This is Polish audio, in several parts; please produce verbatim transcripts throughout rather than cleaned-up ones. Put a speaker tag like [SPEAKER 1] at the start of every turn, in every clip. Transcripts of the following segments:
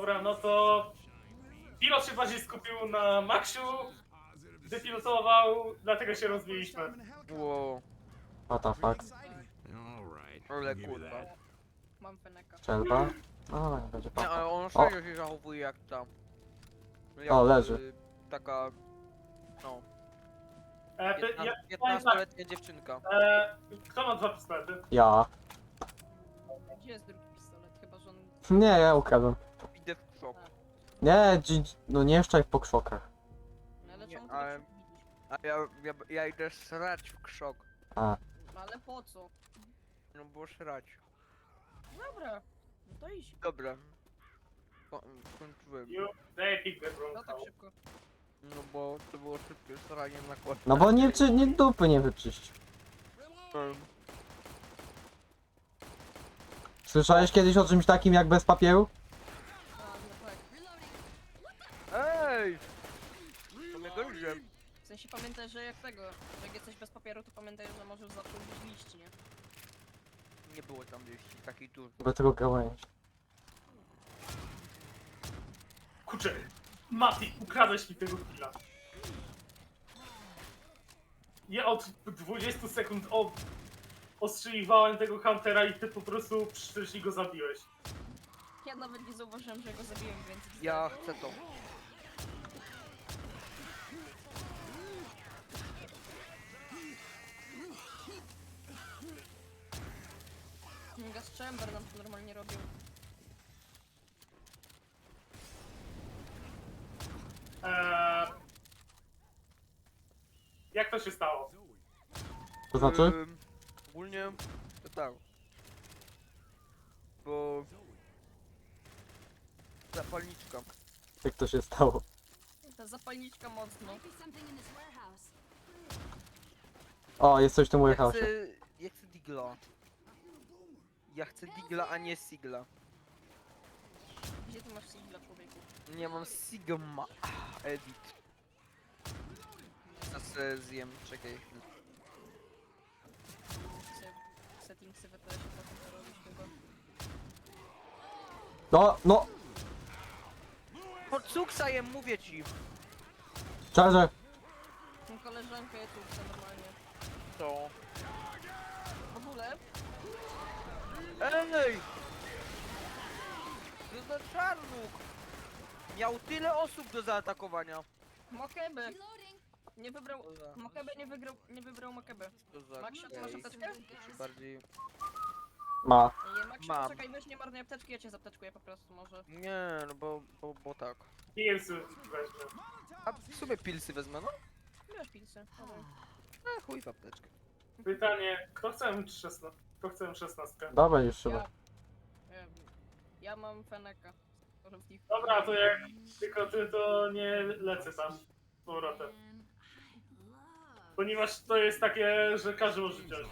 [SPEAKER 1] Dobra, no to pilot się bardziej skupił na Maxiu, depilotował, dlatego się rozbiliśmy.
[SPEAKER 2] Wow,
[SPEAKER 3] What the fuck?
[SPEAKER 2] ale kurwa.
[SPEAKER 4] Mam Feneka.
[SPEAKER 3] Strzelba? No, nie będzie
[SPEAKER 2] Nie,
[SPEAKER 3] papa.
[SPEAKER 2] ale on
[SPEAKER 3] O.
[SPEAKER 2] serio się zachowuje jak ta. Jak,
[SPEAKER 3] O, leży.
[SPEAKER 2] y, taka, no,
[SPEAKER 1] E, ty, ja, powiem tak,
[SPEAKER 2] piętnastoletnia dziewczynka.
[SPEAKER 1] e, kto ma dwa pistolety?
[SPEAKER 3] Ja.
[SPEAKER 4] Gdzie jest drugi pistolet? Chyba, że on...
[SPEAKER 3] Nie, ja ukradłem.
[SPEAKER 2] Idę w szok.
[SPEAKER 3] Nie, dzi... no nie jeszcze jak po krzokach.
[SPEAKER 4] No ale
[SPEAKER 2] Nie,
[SPEAKER 4] czemu ty
[SPEAKER 2] ale-
[SPEAKER 4] tak widzisz?
[SPEAKER 2] A ja, ja, ja idę srać w krzok.
[SPEAKER 3] A,
[SPEAKER 4] No ale po co?
[SPEAKER 2] No bo srać.
[SPEAKER 4] Dobra, no to idź.
[SPEAKER 2] Dobra. Ko kończyłem.
[SPEAKER 1] You, they pick the wrong
[SPEAKER 4] No tak
[SPEAKER 1] house.
[SPEAKER 4] szybko.
[SPEAKER 2] No bo to było szybkie sranie na kład.
[SPEAKER 3] no bo nie, czy, nie dupy nie wyczyścił. Słyszałeś kiedyś o czymś takim jak bez papieru?
[SPEAKER 4] A, no tak.
[SPEAKER 2] Ej! To mnie gryzie.
[SPEAKER 4] W sensie pamiętaj, że jak tego, że jak jesteś bez papieru, to pamiętaj, że możesz zawsze użyć liści, nie?
[SPEAKER 2] Nie było tam liści, takiej tu.
[SPEAKER 3] Bez tego gałęzi.
[SPEAKER 1] Kurczę, Mati, ukradłeś mi tego killa. Ja od dwudziestu sekund o... ostrzeliwałem tego Huntera i ty po prostu przyszedłeś i go zabiłeś.
[SPEAKER 4] Ja nawet nie zauważyłem, że go zabiłem, więc...
[SPEAKER 2] Ja chcę to.
[SPEAKER 4] Gas Chamber nam to normalnie robił.
[SPEAKER 1] Eee... Jak to się stało?
[SPEAKER 3] To znaczy?
[SPEAKER 2] Ym, ogólnie to tak. Bo... Zapalniczka.
[SPEAKER 3] Jak to się stało?
[SPEAKER 4] Ta zapalniczka mocno.
[SPEAKER 3] O, jest coś w tym
[SPEAKER 2] Ja
[SPEAKER 3] warehouse.
[SPEAKER 2] chcę... Ja chcę digla. Ja chcę digla, a nie sigla.
[SPEAKER 4] Gdzie ty masz sigla, człowieku?
[SPEAKER 2] Nie mam sigma. Edit. Teraz se zjem, czekaj chwilę.
[SPEAKER 4] Se- Settingsy w E T S-ie potem to robisz chyba.
[SPEAKER 3] No, no!
[SPEAKER 2] Pod cuksa jem, mówię ci.
[SPEAKER 3] Charger!
[SPEAKER 4] Tą koleżankę ja tu chcę normalnie.
[SPEAKER 2] To.
[SPEAKER 4] W ogóle,
[SPEAKER 2] Ej! Co za czarnuk! Miał tyle osób do zaatakowania.
[SPEAKER 4] Mokebe! Nie wybrał...
[SPEAKER 2] Co za...
[SPEAKER 4] Mokebe nie wygrał... nie wybrał Mokebe.
[SPEAKER 2] Co za...
[SPEAKER 4] Maksiu, ty masz
[SPEAKER 2] gej.
[SPEAKER 4] apteczkę?
[SPEAKER 2] Czy bardziej...
[SPEAKER 3] Ma.
[SPEAKER 4] Nie, Maksiu,
[SPEAKER 2] Mam.
[SPEAKER 4] czekaj, weź nie marnuj apteczki, ja cię zapteczkuję po prostu może.
[SPEAKER 2] Nie, no bo, bo, bo tak.
[SPEAKER 1] Pilsy weźmy.
[SPEAKER 2] A w sumie pilsy wezmę, no?
[SPEAKER 4] Wiesz, pilsy. Dobra.
[SPEAKER 2] A chuj w apteczkę.
[SPEAKER 1] Pytanie, kto chce M szesnaście? Kto chce M szesnaście?
[SPEAKER 3] Dobra, już chyba.
[SPEAKER 4] Ja... Ja, ja mam Feneka. Może w nich...
[SPEAKER 1] Dobra, to jak tylko ty, to nie lecę tam z powrotem. Ponieważ to jest takie, że każdy może wziąć.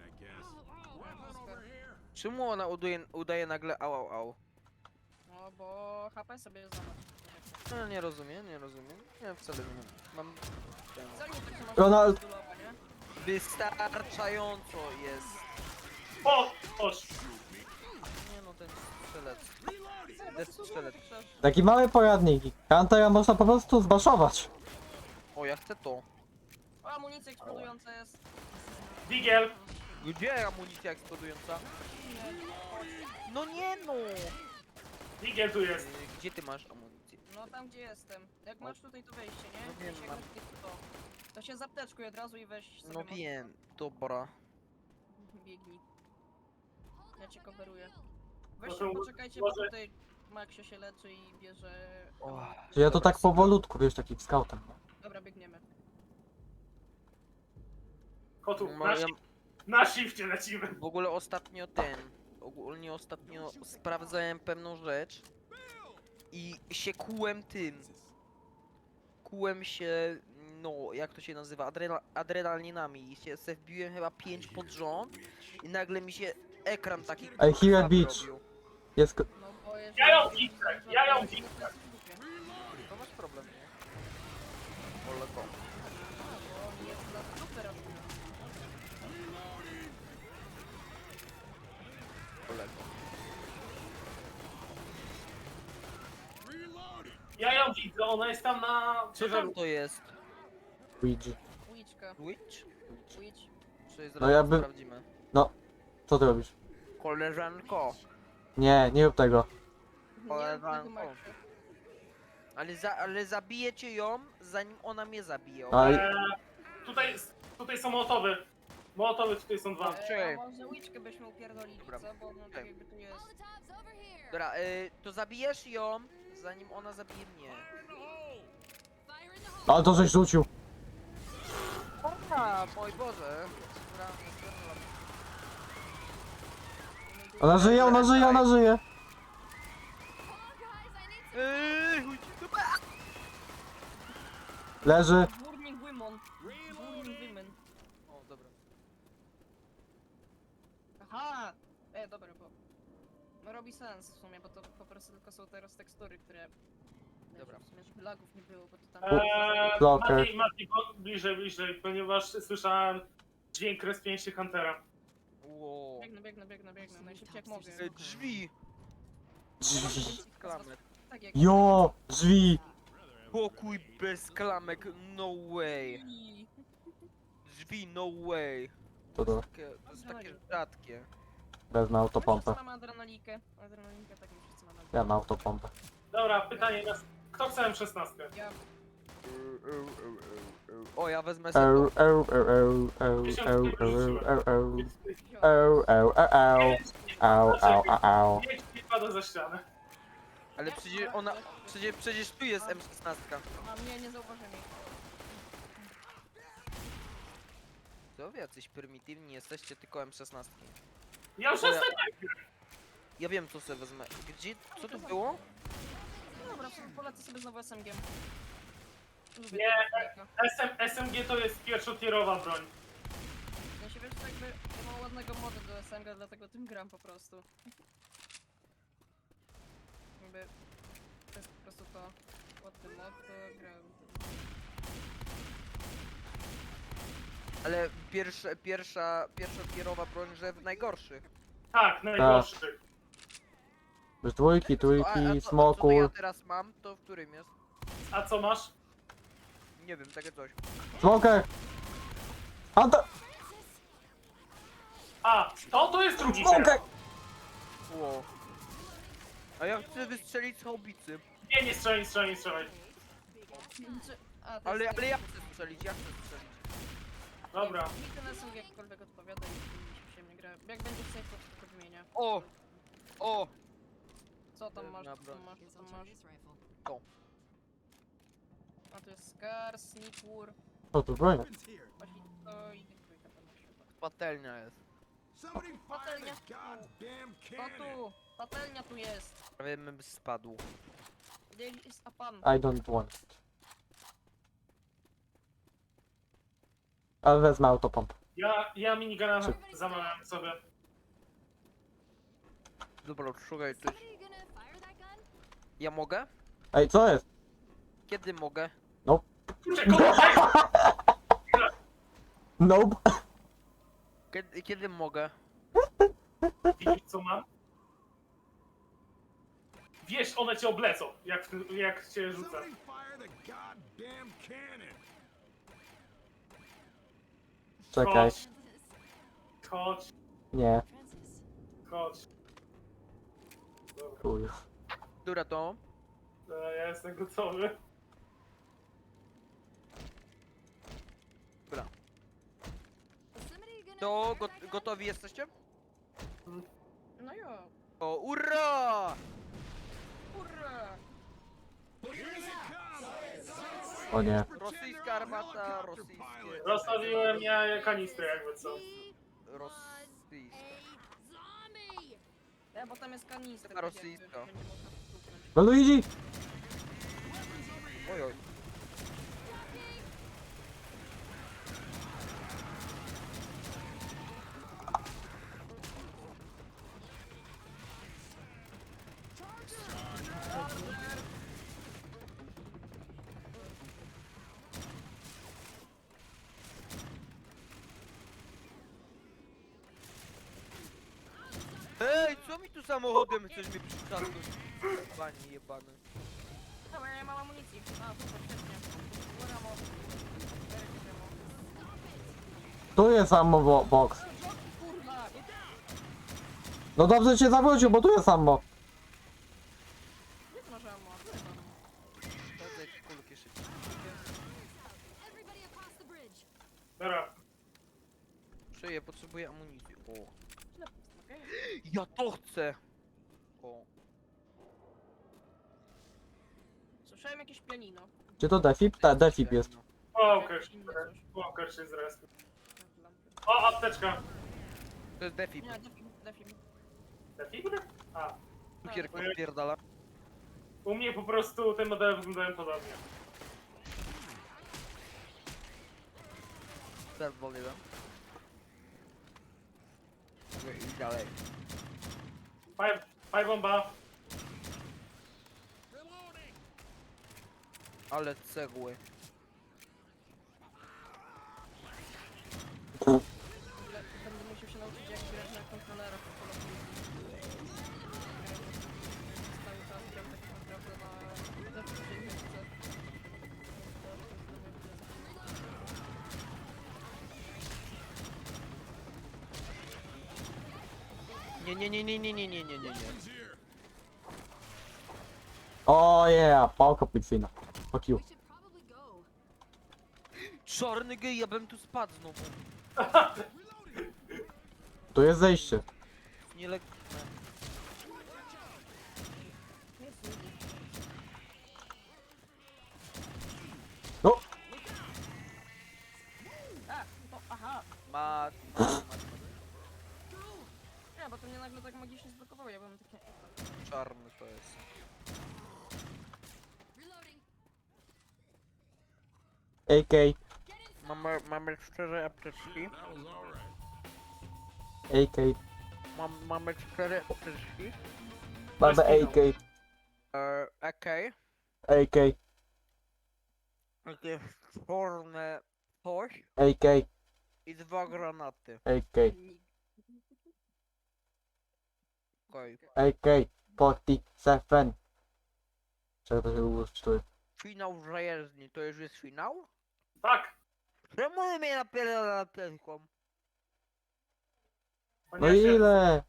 [SPEAKER 2] Czemu ona udaje, udaje nagle au au au?
[SPEAKER 4] No bo H P sobie zobacz.
[SPEAKER 2] No nie rozumiem, nie rozumiem. Nie, wcale nie mam. Mam... ten-
[SPEAKER 4] Wcale nie tak, że masz
[SPEAKER 3] Ronald-
[SPEAKER 4] modulowe, nie?
[SPEAKER 2] Wystarczająco jest.
[SPEAKER 1] O! Oż!
[SPEAKER 2] Nie no, ten strzelec.
[SPEAKER 4] Co,
[SPEAKER 2] Death
[SPEAKER 4] co
[SPEAKER 2] strzelec.
[SPEAKER 4] piszesz?
[SPEAKER 3] Taki mały poradnik. Huntera można po prostu zbaszować.
[SPEAKER 2] O, ja chcę to.
[SPEAKER 4] O, amunicja eksplodująca jest.
[SPEAKER 1] Digiel!
[SPEAKER 2] Gdzie amunicja eksplodująca? No nie no!
[SPEAKER 1] Digiel tu jest.
[SPEAKER 2] Yy, Gdzie ty masz amunicję?
[SPEAKER 4] No tam gdzie jestem. Jak masz tutaj to wejście, nie?
[SPEAKER 2] No wiem,
[SPEAKER 4] Jeśli jak
[SPEAKER 2] mam.
[SPEAKER 4] masz tutaj to, to się zapteczkuj od razu i weź sobie
[SPEAKER 2] No
[SPEAKER 4] mocno.
[SPEAKER 2] wiem, dobra.
[SPEAKER 4] Biegnij. Ja cię coveruję.
[SPEAKER 1] No
[SPEAKER 4] Weź
[SPEAKER 1] to
[SPEAKER 4] poczekajcie,
[SPEAKER 1] może-
[SPEAKER 4] bo tutaj Maxio się leczy i bierze...
[SPEAKER 2] O.
[SPEAKER 3] Że ja to tak powolutku, wiesz, takim scoutem.
[SPEAKER 4] Dobra, biegniemy.
[SPEAKER 1] Kotu,
[SPEAKER 2] No,
[SPEAKER 1] na,
[SPEAKER 2] ja,
[SPEAKER 1] shi- na shifcie lecimy.
[SPEAKER 2] w ogóle ostatnio ten... Ogólnie ostatnio sprawdzałem pewną rzecz. I się kułem tym. Kułem się... No, jak to się nazywa? Adrena, adrenalinami. I się se wbiłem chyba pięć pod rząd. I nagle mi się ekran taki...
[SPEAKER 3] Ej, Here
[SPEAKER 2] krwawy
[SPEAKER 3] Beach.
[SPEAKER 2] robił.
[SPEAKER 3] Jest... ko-
[SPEAKER 4] No bo jeżeli...
[SPEAKER 1] Ja ją widzę, ja ją
[SPEAKER 4] to
[SPEAKER 1] widzę.
[SPEAKER 4] jest w dupie.
[SPEAKER 2] To masz problem, nie? Ole to.
[SPEAKER 4] A, bo on jest na dupę robił.
[SPEAKER 2] Ole to.
[SPEAKER 1] Ja ją widzę, ona jest tam na
[SPEAKER 2] Co tam
[SPEAKER 1] ciężarówce.
[SPEAKER 2] to jest?
[SPEAKER 3] Luigi.
[SPEAKER 4] Łyczka.
[SPEAKER 2] Witch?
[SPEAKER 4] Łycz.
[SPEAKER 2] Czy
[SPEAKER 3] No ja by-
[SPEAKER 2] sprawdzimy?
[SPEAKER 3] Co ty robisz?
[SPEAKER 2] Koleżanko.
[SPEAKER 3] Nie, nie rób tego.
[SPEAKER 2] Koleżanko.
[SPEAKER 4] Nie,
[SPEAKER 2] Ale, za, ale zabijecie ją, zanim ona mnie zabije.
[SPEAKER 3] No i-
[SPEAKER 1] Eee, tutaj, tutaj są mołotowy. Mołotowy tutaj są dwa.
[SPEAKER 2] Czekaj.
[SPEAKER 4] E, a może łyczkę byśmy upierdolili,
[SPEAKER 2] Dobra.
[SPEAKER 4] co? Bo no tak
[SPEAKER 2] Czekaj.
[SPEAKER 4] jakby tu jest.
[SPEAKER 2] Dobra, y, to zabijesz ją, zanim ona zabije mnie.
[SPEAKER 3] Ale to żeś rzucił.
[SPEAKER 2] A, mój Boże. Dobra,
[SPEAKER 3] Ona żyje, ona żyje, ona żyje.
[SPEAKER 2] Eee, chuj ci dupę.
[SPEAKER 3] Leży.
[SPEAKER 4] Burning Women. Burning Women.
[SPEAKER 2] O, dobra.
[SPEAKER 4] Aha! E, dobra, bo... No robi sens w sumie, bo to po prostu tylko są teraz tekstury, które...
[SPEAKER 2] Dobra.
[SPEAKER 4] W sumie, żeby lagów nie było, bo to tam...
[SPEAKER 1] Eee,
[SPEAKER 3] Blocker.
[SPEAKER 1] Mati, Mati, bo- bliżej, bliżej, ponieważ słyszałem dźwięk respienia się Huntera.
[SPEAKER 2] Ło.
[SPEAKER 4] Biegnę, biegnę, biegnę, biegnę, najszybciej jak mogę.
[SPEAKER 2] E, drzwi.
[SPEAKER 3] Drzwi.
[SPEAKER 2] Klamek.
[SPEAKER 4] Tak jak...
[SPEAKER 3] Jo, drzwi.
[SPEAKER 2] Pokój bez klamek, no way. Drzwi, no way.
[SPEAKER 3] To to.
[SPEAKER 2] Takie, to jest takie rzadkie.
[SPEAKER 3] Wezmę autopompę.
[SPEAKER 4] Wszyscy mamy adrenalinkę. Adrenalinkę, tak my wszyscy mamy.
[SPEAKER 3] Ja mam autopompę.
[SPEAKER 1] Dobra, pytanie na... Kto chce M szesnaście?
[SPEAKER 4] Ja...
[SPEAKER 2] O, ja wezmę
[SPEAKER 3] Eł,
[SPEAKER 2] sobie.
[SPEAKER 3] eł, eł, eł, eł, eł, eł, eł, eł. Eł, eł, eł, eł. Eł, eł, eł, eł.
[SPEAKER 1] Nie, nie pada za ścianę.
[SPEAKER 2] Ale przecież ona. Przecież, przecież tu jest M szesnaście.
[SPEAKER 4] A mnie nie zauważyli.
[SPEAKER 2] Co wy jacyś prymitywni jesteście, tylko M szesnaście.
[SPEAKER 1] Ja już
[SPEAKER 2] O, ja-
[SPEAKER 1] jestem...
[SPEAKER 2] Ja wiem co sobie wezmę. Gdzie? Co to było?
[SPEAKER 4] No dobra, sobie polecę sobie znowu S M G. Lubię
[SPEAKER 1] Nie.
[SPEAKER 4] tego
[SPEAKER 1] S M, S M G to jest pierwszotierowa broń.
[SPEAKER 4] Ja się wiesz, to jakby ja mam ładnego modu do S M G, dlatego tym gram po prostu. Jakby to jest po prostu to ładny mod, to gram.
[SPEAKER 2] Ale pierwsza, pierwsza, pierwsza tierowa broń, że w najgorszych.
[SPEAKER 1] Tak, najgorszy.
[SPEAKER 3] Już dwójki,
[SPEAKER 2] A, a
[SPEAKER 3] trójki,
[SPEAKER 2] to, a co to ja
[SPEAKER 3] smokur.
[SPEAKER 2] teraz mam, to w którym jest?
[SPEAKER 1] A co masz?
[SPEAKER 2] Nie wiem, takie coś.
[SPEAKER 3] Smoker! Hunter!
[SPEAKER 1] A, to to jest drugi
[SPEAKER 3] Smoker!
[SPEAKER 1] teraz.
[SPEAKER 2] Ło. A ja chcę wystrzelić z haubicy.
[SPEAKER 1] Nie, nie strzelaj, nie strzelaj, nie strzelaj.
[SPEAKER 4] Czy- A, to
[SPEAKER 2] Ale,
[SPEAKER 4] jest
[SPEAKER 2] ale ja chcę strzelić, ja chcę strzelić.
[SPEAKER 1] Dobra.
[SPEAKER 4] Mi ten S M G jakkolwiek odpowiada i mi się nie gra. Jak będzie safe, to tylko wymienię.
[SPEAKER 2] O! O!
[SPEAKER 4] Co tam masz, co
[SPEAKER 2] Dobra.
[SPEAKER 4] tam masz, co tam masz?
[SPEAKER 2] To.
[SPEAKER 4] A to jest Scar, Sneakur,
[SPEAKER 3] O, tu broń.
[SPEAKER 4] właśnie to i dwójka tam masz chyba.
[SPEAKER 2] Patelnia jest.
[SPEAKER 4] Patelnia tu! To tu! Patelnia tu jest!
[SPEAKER 2] Prawie bym spadł.
[SPEAKER 4] There is a pan.
[SPEAKER 3] I don't want it. Ale wezmę autopompę.
[SPEAKER 1] Ja, ja minigana zamawiam sobie.
[SPEAKER 2] Dobra, szukaj coś. Ja mogę?
[SPEAKER 3] Ej, co jest?
[SPEAKER 2] Kiedy mogę?
[SPEAKER 1] Kurczę, kogo?
[SPEAKER 3] Nope.
[SPEAKER 2] Kiedy, kiedy mogę?
[SPEAKER 1] Widzisz co mam? Wiesz, one cię oblecą, jak, w tym- jak cię rzucę.
[SPEAKER 3] Czekaj.
[SPEAKER 1] Chodź. Chodź,
[SPEAKER 3] Nie,
[SPEAKER 1] chodź. Dobra,
[SPEAKER 3] chuj.
[SPEAKER 2] Która to?
[SPEAKER 1] e, ja jestem gotowy.
[SPEAKER 2] Dobra. To got, gotowi jesteście?
[SPEAKER 4] No jo.
[SPEAKER 2] O, ura!
[SPEAKER 4] Hurra!
[SPEAKER 3] O nie.
[SPEAKER 2] Rosyjska armata, rosyjskie...
[SPEAKER 1] Rozstawiłem ja kanistry jakby co.
[SPEAKER 2] Rosyjska.
[SPEAKER 4] Ja, bo tam jest kanister.
[SPEAKER 2] Taka
[SPEAKER 4] tak jakby,
[SPEAKER 2] rosyjska.
[SPEAKER 4] że nie można stuknąć.
[SPEAKER 3] No Luigi!
[SPEAKER 2] Oj, oj. Ej, co mi tu samochodem chcesz mnie przytrzasnąć? Panie jebany.
[SPEAKER 4] Dobra, ja nie mam amunicji. A, super, świetnie. Dobra, mo.
[SPEAKER 3] Tu jest ammo bo box.
[SPEAKER 4] Kurwa!
[SPEAKER 3] No dobrze cię zawrócił, bo tu jest ammo.
[SPEAKER 4] Nie to może ammo, a tu jest ammo.
[SPEAKER 2] Sprawdzę jak kulki szybciej.
[SPEAKER 5] Everybody across the bridge.
[SPEAKER 1] Dobra,
[SPEAKER 2] Czuję, potrzebuję amunicji. O.
[SPEAKER 4] Tyle pust, okej?
[SPEAKER 2] Ja to chcę! O.
[SPEAKER 4] Słyszałem jakieś pianino.
[SPEAKER 3] Czy to defib? Tak, defib jest.
[SPEAKER 1] Walker,
[SPEAKER 4] Jakieś inne coś.
[SPEAKER 1] Walker się zrespił.
[SPEAKER 4] Lampy.
[SPEAKER 1] O, apteczka.
[SPEAKER 2] To jest defib.
[SPEAKER 4] Nie, defib, defib.
[SPEAKER 1] Defibry? A,
[SPEAKER 2] Cukier
[SPEAKER 1] Tak.
[SPEAKER 2] podpierdala.
[SPEAKER 1] u mnie po prostu te modele wyglądają podobnie.
[SPEAKER 2] Teraz wolny dam. Okej, i dalej.
[SPEAKER 1] Faj, faj bomba.
[SPEAKER 2] Ale cegły.
[SPEAKER 4] Ale będę musiał się nauczyć jak grać na kontrolerach po polsku. Cały czas gram tak naprawdę na zawsze
[SPEAKER 2] Nie, nie, nie, nie, nie, nie, nie, nie, nie, nie.
[SPEAKER 3] O yeah, pałka policyjna. Fuck you.
[SPEAKER 5] We should probably go.
[SPEAKER 2] Czarny gej, ja bym tu spadł znowu.
[SPEAKER 3] Tu jest zejście.
[SPEAKER 2] Nielegalne.
[SPEAKER 3] No,
[SPEAKER 4] A, to, aha.
[SPEAKER 2] Mat, mat, mat,
[SPEAKER 4] Nie, bo to mnie nagle tak magicznie zblokowało, ja byłem takie...
[SPEAKER 2] mat. Czarny to jest.
[SPEAKER 5] Reloading.
[SPEAKER 3] A K,
[SPEAKER 2] Mamy, mamy cztery apteczki.
[SPEAKER 3] A K,
[SPEAKER 2] Mam, mamy cztery apteczki.
[SPEAKER 3] mamy A K,
[SPEAKER 2] Eee, okej.
[SPEAKER 3] A K,
[SPEAKER 2] Takie czarne coś
[SPEAKER 3] A K,
[SPEAKER 2] i dwa granaty.
[SPEAKER 3] A K,
[SPEAKER 2] Okej.
[SPEAKER 3] A K, czterdzieści siedem. Czego to się długo czytuje?
[SPEAKER 2] Finał zajezdni, to już jest finał?
[SPEAKER 1] Tak.
[SPEAKER 2] Czemu on mnie napierdala apteczką?
[SPEAKER 3] No
[SPEAKER 1] Ponieważ ja-
[SPEAKER 3] ile?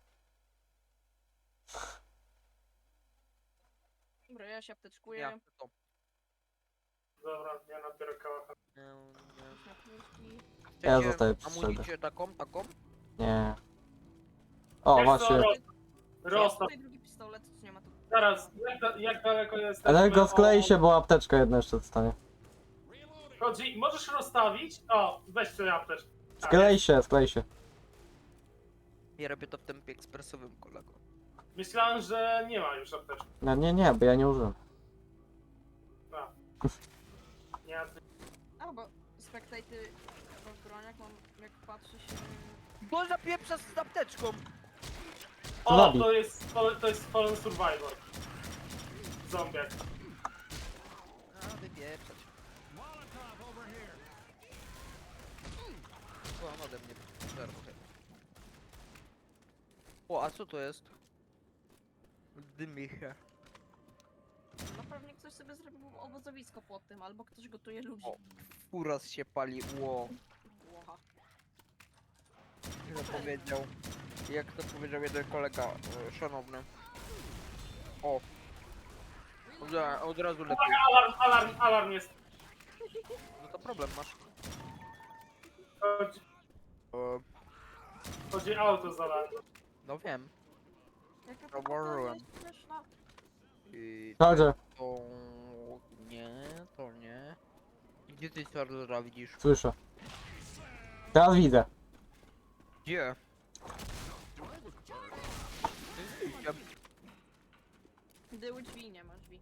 [SPEAKER 4] Dobra, ja się apteczkuję.
[SPEAKER 2] Ja chcę to.
[SPEAKER 1] Dobra, ja nabiorę kałacha.
[SPEAKER 2] Nie, nie.
[SPEAKER 4] Apteczki.
[SPEAKER 3] Ja
[SPEAKER 2] Chcecie
[SPEAKER 3] zostaję przy
[SPEAKER 2] amunicję taką, taką?
[SPEAKER 3] Nie. O,
[SPEAKER 1] Wiesz co,
[SPEAKER 3] właśnie.
[SPEAKER 1] Ro- Rostaw.
[SPEAKER 4] Tutaj drugi pistolet, co nie ma tu.
[SPEAKER 1] Zaraz, jak, da, jak daleko jest?
[SPEAKER 3] Energo sklei się, bo apteczka jedna jeszcze dostanie.
[SPEAKER 1] Chodzi, możesz rozstawić? O, weź sobie apteczkę. Tak.
[SPEAKER 3] Sklej się, sklej się.
[SPEAKER 2] Ja robię to w tempie ekspresowym, kolego.
[SPEAKER 1] Myślałem, że nie ma już apteczki.
[SPEAKER 3] No nie, nie, bo ja nie użyłem.
[SPEAKER 1] No. Nie,
[SPEAKER 4] A, bo spektajty w broniach mam, jak patrzę się...
[SPEAKER 2] Bo zapieprza z apteczką!
[SPEAKER 1] o,
[SPEAKER 3] zabij.
[SPEAKER 1] to jest, to, to jest Fallen Survivor. Zombiak.
[SPEAKER 2] A, wypieprzać. O, on ode mnie żarty. O, a co to jest? Dymi się.
[SPEAKER 4] No pewnie ktoś sobie zrobił obozowisko pod tym, albo ktoś gotuje ludzi.
[SPEAKER 2] O. Uraz się pali, ło.
[SPEAKER 4] Łocha.
[SPEAKER 2] Jak to powiedział, jak to powiedział jeden kolega, e, szanowny. O. Od, ra- od razu lepiej.
[SPEAKER 1] Alarm, alarm, alarm jest.
[SPEAKER 2] No to problem masz.
[SPEAKER 1] Chodzi,
[SPEAKER 2] E,
[SPEAKER 1] chodzi auto z alarmem.
[SPEAKER 2] no wiem.
[SPEAKER 4] Jaka
[SPEAKER 2] Zauważyłem.
[SPEAKER 4] jest śmieszna.
[SPEAKER 2] I
[SPEAKER 3] Chodzę,
[SPEAKER 2] to... Nie, to nie. Gdzie ty Charlesa widzisz?
[SPEAKER 3] słyszę. Teraz widzę.
[SPEAKER 2] Gdzie?
[SPEAKER 4] Były drzwi, nie ma drzwi.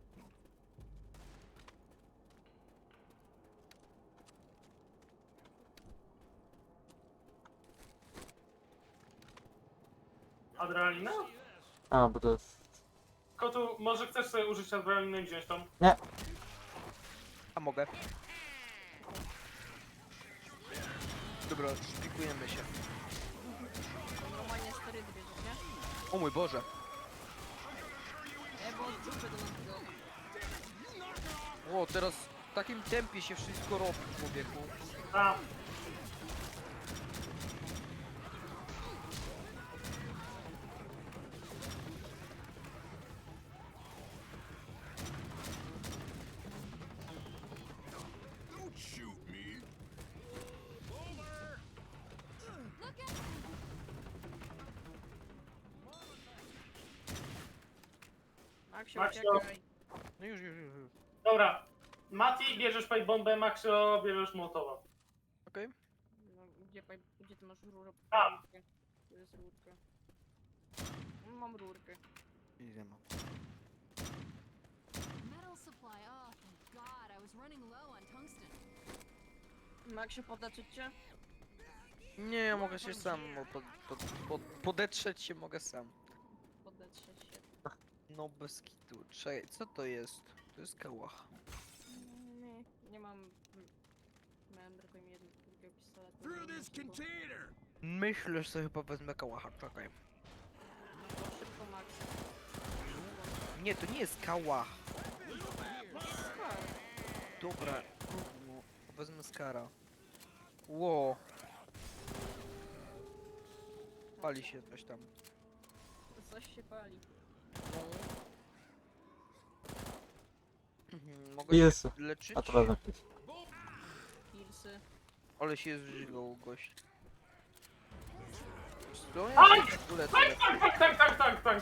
[SPEAKER 1] Adrenalina?
[SPEAKER 3] A, bo to jest...
[SPEAKER 1] Kotu, może chcesz sobie użyć adrenaliny i wziąć tą?
[SPEAKER 2] A mogę. Dobra, szpikujemy się.
[SPEAKER 4] Normalnie sterydy bierzesz, nie?
[SPEAKER 2] O mój Boże.
[SPEAKER 4] Nie, bo odczuwę do nas
[SPEAKER 2] O, teraz w takim tempie się wszystko robi, człowieku.
[SPEAKER 1] A,
[SPEAKER 5] Look at
[SPEAKER 4] Maksio,
[SPEAKER 1] Maksio.
[SPEAKER 4] uciekaj.
[SPEAKER 2] No już, już, już. już.
[SPEAKER 1] dobra. Mati, bierzesz pipe bombę, Maxio, bierzesz Mołotowa.
[SPEAKER 2] Okej.
[SPEAKER 4] No, gdzie, paj- gdzie ty masz rurę?
[SPEAKER 1] A.
[SPEAKER 4] Rurkę. To jest rurka. No, mam rurkę.
[SPEAKER 2] I nie mam.
[SPEAKER 5] metal supply. Oh, thank God. I was running low on tungsten.
[SPEAKER 4] Maksio, podaczyć cię?
[SPEAKER 2] Nie, ja mogę się sam o, pod, pod, pod, podetrzeć się mogę sam.
[SPEAKER 4] Podetrzeć się.
[SPEAKER 2] No bez kitu. Czekaj, co to jest? To jest kałach.
[SPEAKER 4] Nie, nie mam... Miałem tylko jedno drugiego pistoletu.
[SPEAKER 6] Through this
[SPEAKER 4] Szybko,
[SPEAKER 6] container!
[SPEAKER 2] Myślę, że sobie chyba wezmę kałacha, czekaj.
[SPEAKER 4] szybko Maksio.
[SPEAKER 2] Nie, to nie jest kałach.
[SPEAKER 4] Skar.
[SPEAKER 2] Dobra, no, wezmę skara. Ło. Pali się coś tam.
[SPEAKER 4] Coś się pali.
[SPEAKER 2] No. Mhm, mogę się
[SPEAKER 3] Pilsy.
[SPEAKER 2] leczyć?
[SPEAKER 3] A to wezmę pilsy.
[SPEAKER 4] Pilsy.
[SPEAKER 2] Ale się zżygał gość. Co?
[SPEAKER 1] Aj!
[SPEAKER 2] Ja się tu lecę.
[SPEAKER 1] Tak, tak, tak, tak, tak, tak.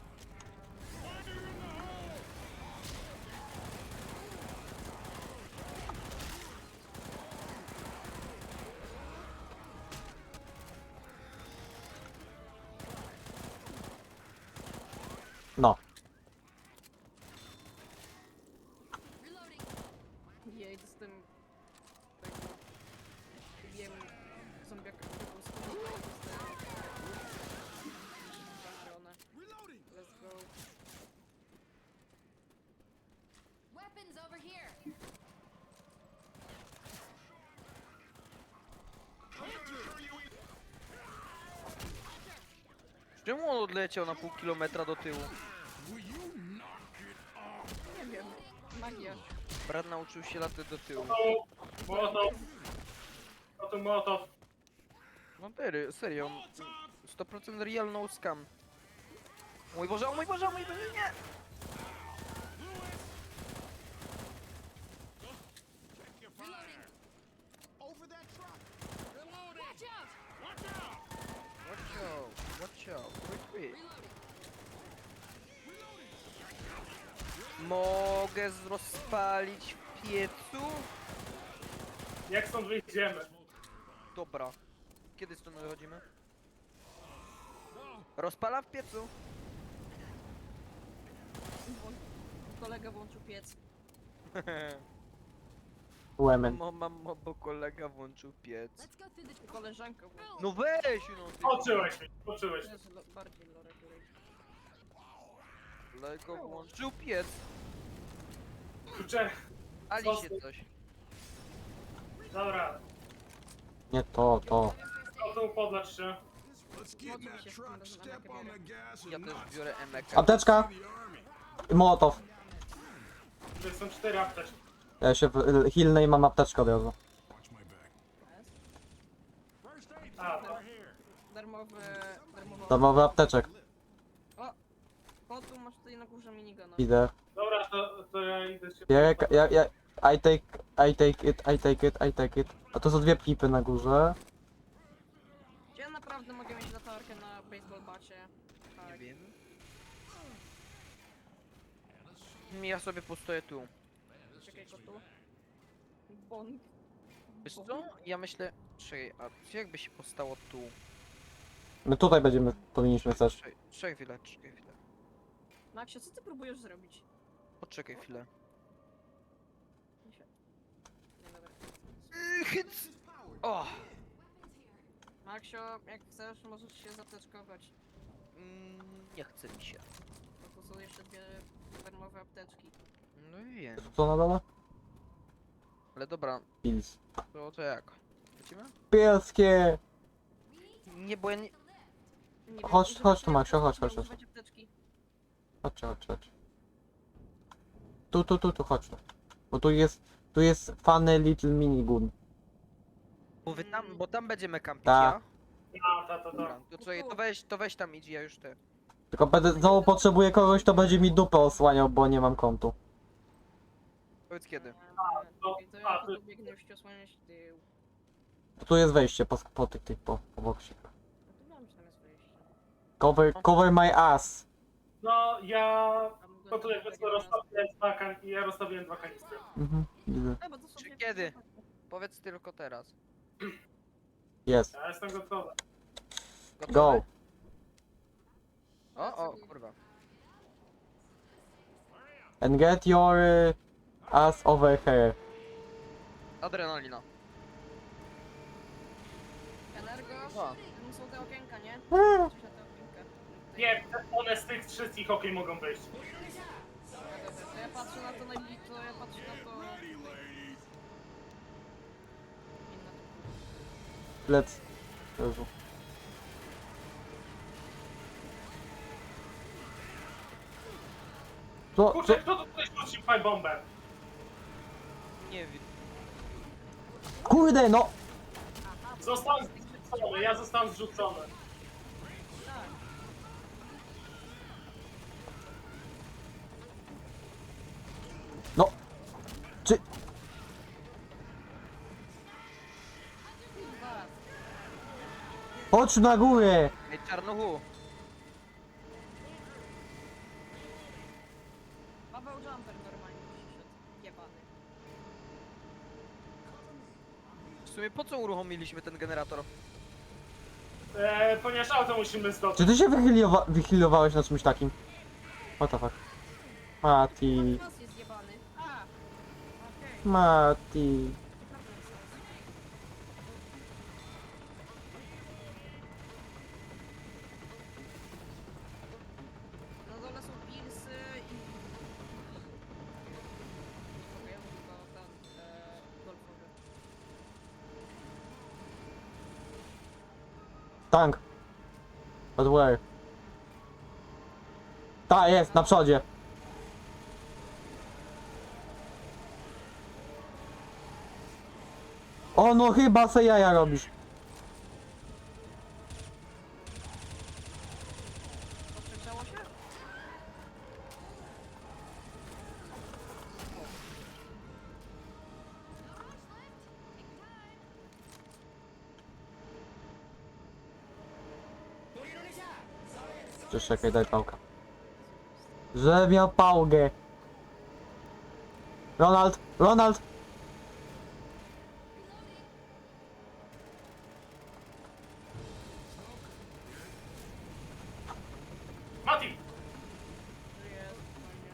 [SPEAKER 3] No.
[SPEAKER 5] Reloading.
[SPEAKER 4] Jej, z tym... Tego... Wiem... Zombiaka, którego składał, dostałem... Zabrone.
[SPEAKER 6] Reloading!
[SPEAKER 4] Let's go.
[SPEAKER 5] Weapons over here.
[SPEAKER 2] Czemu on odleciał na pół kilometra do tyłu?
[SPEAKER 6] Will you knock it off?
[SPEAKER 4] Nie wiem. Magia.
[SPEAKER 2] Brat nauczył się latać do tyłu.
[SPEAKER 1] To Mołotow. To tu Mołotow.
[SPEAKER 2] No serio, serio. sto procent real no scam. O mój Boże, o mój Boże, o mój Boże, nie!
[SPEAKER 6] Check your fire! Over that truck! Reloading!
[SPEAKER 5] Watch out.
[SPEAKER 6] Watch out!
[SPEAKER 2] Watch out, watch out, quick, quick.
[SPEAKER 5] Reloading.
[SPEAKER 2] Mogę z- rozpalić w piecu?
[SPEAKER 1] Jak stąd wyjdziemy?
[SPEAKER 2] Dobra. Kiedy stąd wychodzimy? Rozpala w piecu.
[SPEAKER 4] Włą- Kolega włączył piec.
[SPEAKER 3] Lemon.
[SPEAKER 2] Mam, mam, mam, bo kolega włączył piec.
[SPEAKER 5] Let's go through the.
[SPEAKER 4] Koleżanka włączyła.
[SPEAKER 2] No weź, no ty.
[SPEAKER 1] Poczułeś mnie, poczułeś mnie.
[SPEAKER 4] Jezu, lo- bardziej Lore, której.
[SPEAKER 2] Kolega włączył piec.
[SPEAKER 1] Kurczę,
[SPEAKER 2] Ali się coś.
[SPEAKER 1] dobra.
[SPEAKER 3] Nie to, to.
[SPEAKER 1] To tu podlacz się.
[SPEAKER 6] Let's get in that truck, step on the gas
[SPEAKER 2] Ja
[SPEAKER 6] and
[SPEAKER 2] też
[SPEAKER 6] not
[SPEAKER 2] biorę emekę.
[SPEAKER 3] Apteczka!
[SPEAKER 6] see the army.
[SPEAKER 3] I Mołotow.
[SPEAKER 1] To są cztery apteczki.
[SPEAKER 3] Ja się w- hilnę i mam apteczkę od razu.
[SPEAKER 6] Watch my back. First aid
[SPEAKER 1] A,
[SPEAKER 6] kit
[SPEAKER 1] to.
[SPEAKER 6] right here.
[SPEAKER 4] Darmowe... Darmowe...
[SPEAKER 3] Darmowy apteczek.
[SPEAKER 4] Kotu masz tutaj na górze minigana.
[SPEAKER 3] Idę.
[SPEAKER 1] Dobra, to, to ja idę się...
[SPEAKER 3] Ja, ja, ja, I take, I take it, I take it, I take it. A to są dwie pipy na górze.
[SPEAKER 4] Czy ja naprawdę mogę mieć latarkę na baseball bacie?
[SPEAKER 2] Nie
[SPEAKER 4] Tak.
[SPEAKER 2] wiem. Ja sobie postoję tu.
[SPEAKER 4] Czekaj, kotu. Bond.
[SPEAKER 2] Wiesz co? Ja myślę... Czekaj, a co jakby się postało tu?
[SPEAKER 3] My tutaj będziemy, powinniśmy też.
[SPEAKER 2] Czekaj, czekaj chwilę, czekaj chwilę.
[SPEAKER 4] Maxio, co ty próbujesz zrobić?
[SPEAKER 2] Poczekaj chwilę.
[SPEAKER 4] Nie się- Nie, dobra.
[SPEAKER 2] Hyc! O!
[SPEAKER 4] Maxio, jak chcesz, możesz się zateczkować.
[SPEAKER 2] Mm, nie chce mi się.
[SPEAKER 4] Bo tu są jeszcze dwie darmowe apteczki.
[SPEAKER 2] No wiem.
[SPEAKER 3] Co na dole?
[SPEAKER 2] Ale dobra,
[SPEAKER 3] Pils.
[SPEAKER 2] to, to jak? Lecimy?
[SPEAKER 3] Pieskie!
[SPEAKER 2] Nie, bo ja nie...
[SPEAKER 4] Nie wiem,
[SPEAKER 3] Chodź,
[SPEAKER 4] używajcie
[SPEAKER 3] chodź tu, Maxio,
[SPEAKER 4] apteczki,
[SPEAKER 3] chodź, chodź, chodź.
[SPEAKER 4] używajcie apteczki.
[SPEAKER 3] Chodźcie, chodźcie, chodźcie. Tu, tu, tu, tu, chodź tu. Bo tu jest, tu jest funny little minigun.
[SPEAKER 2] Bo wy tam, bo tam będziemy kampić,
[SPEAKER 3] Ta.
[SPEAKER 2] ja?
[SPEAKER 1] A, ta, ta, ta.
[SPEAKER 2] Dobra, to co, to weź, to weź tam idź, ja już te.
[SPEAKER 3] Tylko będę, znowu potrzebuję kogoś, kto będzie mi dupę osłaniał, bo nie mam kontu.
[SPEAKER 2] Powiedz kiedy.
[SPEAKER 1] to-
[SPEAKER 4] To
[SPEAKER 1] a,
[SPEAKER 4] ja
[SPEAKER 1] to-
[SPEAKER 4] tu biegnę już osłaniać tył.
[SPEAKER 3] Tu jest wejście po, po tych, tych, po, po boksie.
[SPEAKER 4] No to wiem, że tam jest wyjście.
[SPEAKER 3] Cover, cover my ass.
[SPEAKER 1] No, ja...
[SPEAKER 4] Tam
[SPEAKER 1] To tu jakby co rozstawiłem dwa kan... ja rozstawiłem dwa kanistry.
[SPEAKER 3] Mhm, widzę.
[SPEAKER 4] No, bo to są
[SPEAKER 2] Czy
[SPEAKER 4] dwie-
[SPEAKER 2] kiedy? Powiedz tylko teraz.
[SPEAKER 3] Jest.
[SPEAKER 1] Ja jestem gotowy.
[SPEAKER 2] Gotowy?
[SPEAKER 3] Go.
[SPEAKER 2] O, o, kurwa.
[SPEAKER 3] And get your uh, ass over here.
[SPEAKER 2] Adrenalina.
[SPEAKER 4] Energo?
[SPEAKER 2] O.
[SPEAKER 4] Tam są te okienka, nie?
[SPEAKER 3] Eee.
[SPEAKER 4] Coś na te okienka.
[SPEAKER 1] Nie, one z tych wszystkich okien mogą wyjść.
[SPEAKER 4] Dobra, dobra, to ja patrzę na to najbliżej, to ja patrzę na to... Inna to...
[SPEAKER 3] Let's... Jezu. Co, co?
[SPEAKER 1] Kurczę, kto tu tutaj rzucił pipe bombę?
[SPEAKER 2] Nie wiem.
[SPEAKER 3] Kurde, no!
[SPEAKER 1] Zostałem zrzucony, ja zostałem zrzucony.
[SPEAKER 4] Tak.
[SPEAKER 3] No! Czy...
[SPEAKER 4] Kurwa.
[SPEAKER 3] Chodź na górę!
[SPEAKER 2] Ej, czarnuchu.
[SPEAKER 4] Paweł Jumper normalnie przyszedł. Jebany.
[SPEAKER 2] W sumie po co uruchomiliśmy ten generator?
[SPEAKER 1] E, ponieważ auto musimy zdobyć.
[SPEAKER 3] Czy ty się wychyliowa wychylowałeś na czymś takim? What the fuck? Mati...
[SPEAKER 4] Nas jest jebany. A! Okej.
[SPEAKER 3] Mati...
[SPEAKER 4] Naprawdę jest nas. Na dole są pilsy i... Okej, tylko ten... E, golfowy.
[SPEAKER 3] Tank. But where? Ta, jest, na przodzie. O, no chyba se jaja robisz.
[SPEAKER 4] Poprzegrzało się?
[SPEAKER 3] Cześć, czekaj, daj pałkę. Że miał pałkę. Ronald, Ronald!
[SPEAKER 1] Mati!
[SPEAKER 4] Żyje, spokojnie.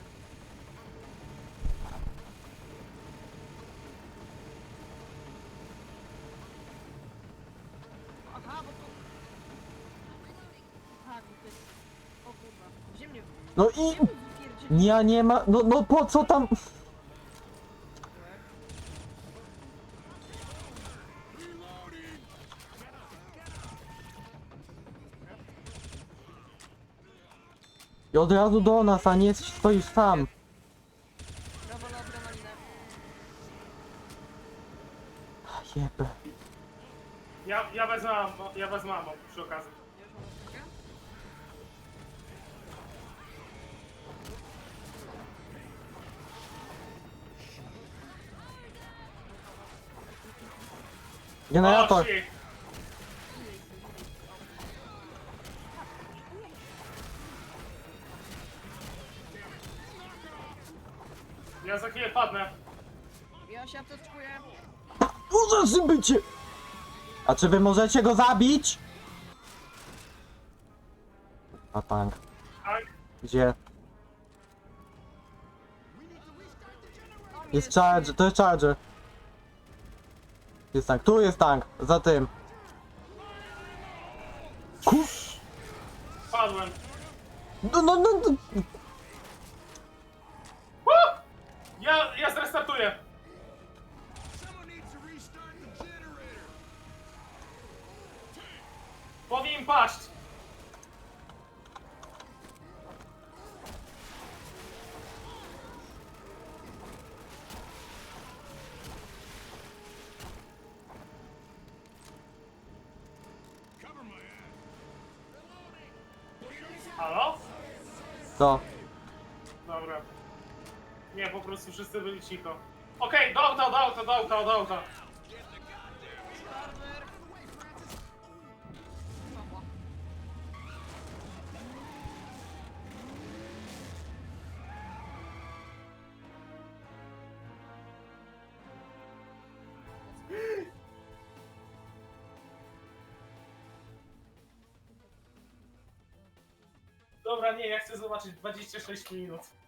[SPEAKER 4] Aha, bo tu... Tak, bo to jest... O kurwa. Gdzie mnie...
[SPEAKER 3] No
[SPEAKER 4] Gdzie
[SPEAKER 3] i...
[SPEAKER 4] mnie wypierdzieliłeś?
[SPEAKER 3] Ja nie ma... No, no po co tam... I od razu do nas, a nie stoisz sam.
[SPEAKER 4] Brawo na adrenalinę.
[SPEAKER 3] Jebę.
[SPEAKER 1] Ja, ja wezmę ammo, ja wezmę ammo przy okazji.
[SPEAKER 4] Ja już mam odcinkę.
[SPEAKER 3] Generator.
[SPEAKER 1] O, shit. Ja za chwilę padnę.
[SPEAKER 4] Ja się apteczkuję.
[SPEAKER 3] Uza czym bycie! A czy wy możecie go zabić? A tank.
[SPEAKER 1] Tak?
[SPEAKER 3] Gdzie? Jest charger, to jest charger. Jest tank, tu jest tank, za tym. Kur...
[SPEAKER 1] Padłem.
[SPEAKER 3] No, no, no, no.
[SPEAKER 1] Woo! Ja, ja zrestartuję.
[SPEAKER 6] Someone needs to restart the generator.
[SPEAKER 1] Powinien paść. Halo?
[SPEAKER 3] Co?
[SPEAKER 1] Dobra. Nie, po prostu wszyscy byli cicho. Okej, do auta, do auta, do auta, do auta.
[SPEAKER 4] Starter! Pawła.
[SPEAKER 1] Dobra, nie, ja chcę zobaczyć dwadzieścia sześć minut.